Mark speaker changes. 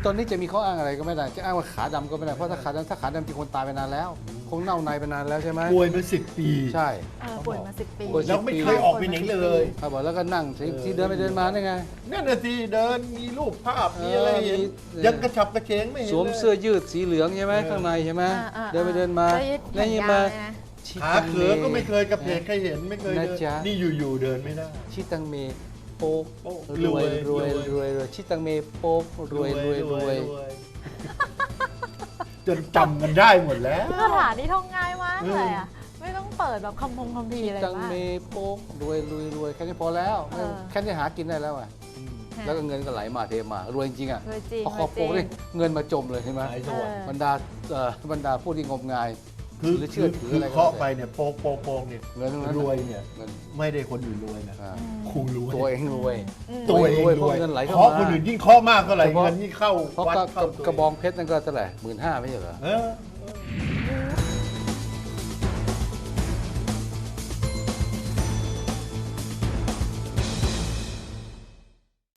Speaker 1: ตอนนี้จะมีข้ออ้างอะไรก็ไม่ได้จะอ้างว่าขาดำก็ไม่ได้เพราะถ้าขาดำจริงคนตายไปนานแล้ว คงเน่าในไปนานแล้วใช่ไหม
Speaker 2: ป่วยมา10 ปี
Speaker 1: ใช่
Speaker 3: ป่วยมา10 ปี
Speaker 1: ป่วย
Speaker 2: แล้วไม่เคยออกไปไหนเลย
Speaker 1: เขาบอกแล้วก็นั่งที่เดินไปเดินมาได้ไง
Speaker 2: นั่นน่ะสิเดินมีรูปภาพมีอะไรเห็นยังกระฉับกระเฉงไม่เห็น
Speaker 1: สวมเสื้อยืดสีเหลืองใช่ไหมข้างในใช่ไหมเดินไปเดินมา
Speaker 3: แล้วยึด
Speaker 1: มา
Speaker 2: ขาเขือก็ไม่เคยกระเพกใครเห็นไม่เคยเดินนี่อยู่ๆเดินไม่ได้
Speaker 1: ชิตังเมโป๊ก
Speaker 2: โป๊ก
Speaker 1: รวย
Speaker 2: รวย
Speaker 1: ชิตังเมโป๊กรวย
Speaker 2: จนจำกันได้หมดแล้ว
Speaker 3: คาถานี้ท่องง่ายมากเลยอ่ะไม่ต้องเปิดแบบคัมภีร์อะไร
Speaker 1: ตัง
Speaker 3: มาก
Speaker 1: เมโป๊กรวยแค่นี้พอแล้ว
Speaker 3: เออ
Speaker 1: แค่นี้หากินได้แล้วอ่ะแล้วก็เงินก็ไหลมาเทมารวยจริงอ่ะ
Speaker 3: รวยจริง
Speaker 1: พอขอโป๊กนี่เงินมาจมเลยใช่ไหม
Speaker 2: หายสวรรค์
Speaker 1: บรรดาผู้ที่งมงาย
Speaker 2: คือ
Speaker 1: หรือเชื่อถืออะไรก็
Speaker 2: เคาะไปเนี่ยโป๊กเนี่ย
Speaker 1: เงินทั้งนั้น
Speaker 2: รวยเนี่ย
Speaker 1: เงิน
Speaker 2: ไม่ได้คนอื่นรวยนะ
Speaker 1: อ่า
Speaker 2: ครูรวย
Speaker 1: ตัวเองรวย
Speaker 2: ตัวเอง
Speaker 1: รวย
Speaker 2: ร
Speaker 1: เพราะ
Speaker 2: วย
Speaker 1: เงินไหลเข้า
Speaker 2: เคาะ
Speaker 1: มา
Speaker 2: คนอื่นยิ่งเคาะมากเท่าไหร่
Speaker 1: เฉพาะ
Speaker 2: เงินยิ่งเข้า
Speaker 1: เพราะ
Speaker 2: วัดเข้าตัว
Speaker 1: กระบองเพชรนั่นก็เท่าไหร่15,000ไม่ใช่เหรอ
Speaker 2: เออ